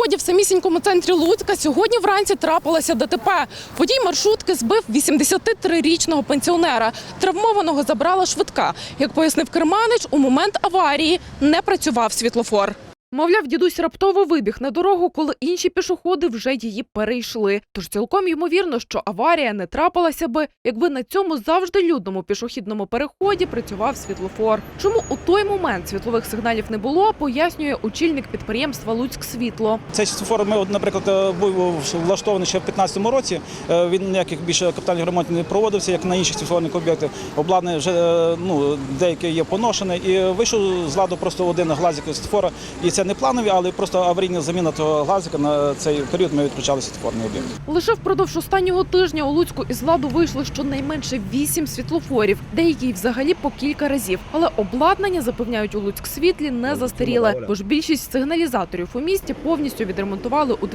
переході в самісінькому центрі Луцька сьогодні вранці трапилося ДТП. Водій маршрутки збив 83-річного пенсіонера. Травмованого забрала швидка. Як пояснив керманич, у момент аварії не працював світлофор. Мовляв, дідусь раптово вибіг на дорогу, коли інші пішоходи вже її перейшли. Тож цілком ймовірно, що аварія не трапилася би, якби на цьому завжди людному пішохідному переході працював світлофор. Чому у той момент світлових сигналів не було, пояснює очільник підприємства «Луцьксвітло». Цей світлофор, наприклад, був влаштований ще в 2015 році. Він ніяких більше капітальних ремонтів не проводився, як на інших світлофорних об'єктах. Обладнання вже деяке є поношене. І вийшов з ладу просто один глазик світлофора. І це не планові, але просто аварійна заміна того глазика. На цей період ми відключали світлофорний об'єкт. Лише впродовж останнього тижня у Луцьку із ладу вийшло щонайменше 8 світлофорів, деякі взагалі по кілька разів. Але обладнання, запевняють у Луцьксвітлі, не застаріле, бо ж більшість сигналізаторів у місті повністю відремонтували у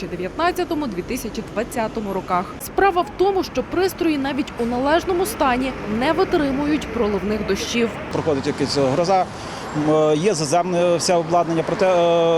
2019-2020 роках. Справа в тому, що пристрої навіть у належному стані не витримують проливних дощів. Проходить якась гроза, є заземне все обладнання, проте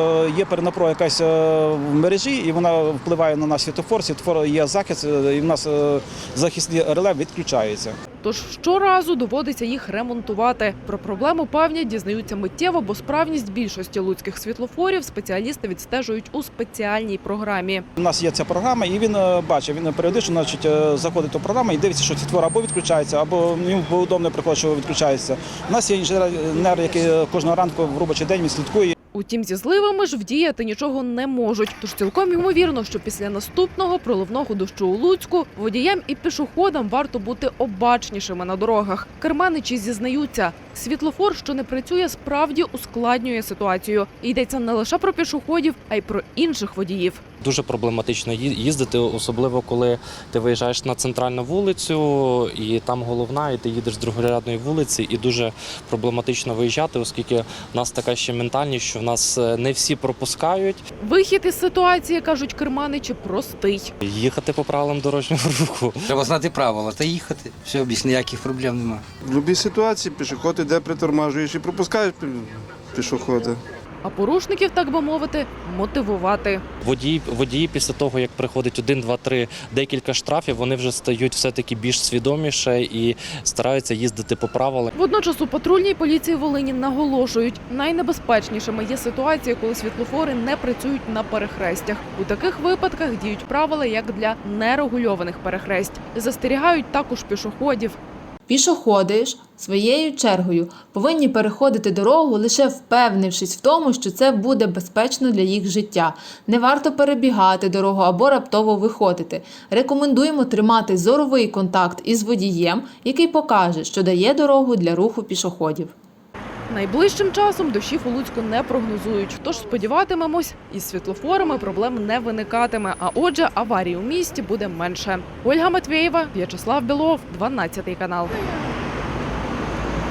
є перенапруга якась в мережі, і вона впливає на наш світлофор. Світлофор є захист, і в нас захисні реле відключаються. Тож щоразу доводиться їх ремонтувати. Про проблему певні дізнаються миттєво, бо справність більшості луцьких світлофорів спеціалісти відстежують у спеціальній програмі. У нас є ця програма, і він бачить, він періодично заходить до програми і дивиться, що світлофор або відключається, або йому удобно приходить, що відключається. У нас є інженер, який кожного ранку в робочий день він слідкує. Утім, зі зливами ж вдіяти нічого не можуть. Тож цілком ймовірно, що після наступного проливного дощу у Луцьку водіям і пішоходам варто бути обачнішими на дорогах. Керманичі зізнаються, світлофор, що не працює, справді ускладнює ситуацію. І йдеться не лише про пішоходів, а й про інших водіїв. Дуже проблематично їздити, особливо коли ти виїжджаєш на центральну вулицю, і там головна, і ти їдеш з другорядної вулиці, і дуже проблематично виїжджати, оскільки в нас така ще ментальність, що в нас не всі пропускають. Вихід із ситуації, кажуть керманичі, простий. Їхати по правилам дорожнього руху. Треба знати правила та їхати. Все, більш ніяких проблем немає. В будь-якій ситуації пішоход іде, притормажуєш і пропускаєш пішохода. А порушників, так би мовити, мотивувати. Водії після того, як приходить 1, 2, 3, декілька штрафів, вони вже стають все-таки більш свідоміше і стараються їздити по правилам. Водночас у патрульній поліції Волині наголошують, найнебезпечнішими є ситуації, коли світлофори не працюють на перехрестях. У таких випадках діють правила, як для нерегульованих перехресть. Застерігають також пішоходів. Пішоходи ж своєю чергою повинні переходити дорогу, лише впевнившись в тому, що це буде безпечно для їх життя. Не варто перебігати дорогу або раптово виходити. Рекомендуємо тримати зоровий контакт із водієм, який покаже, що дає дорогу для руху пішоходів. Найближчим часом дощів у Луцьку не прогнозують, тож сподіватимемось, із світлофорами проблем не виникатиме, а отже, аварій у місті буде менше. Ольга Матвєєва, В'ячеслав Білов, 12 канал.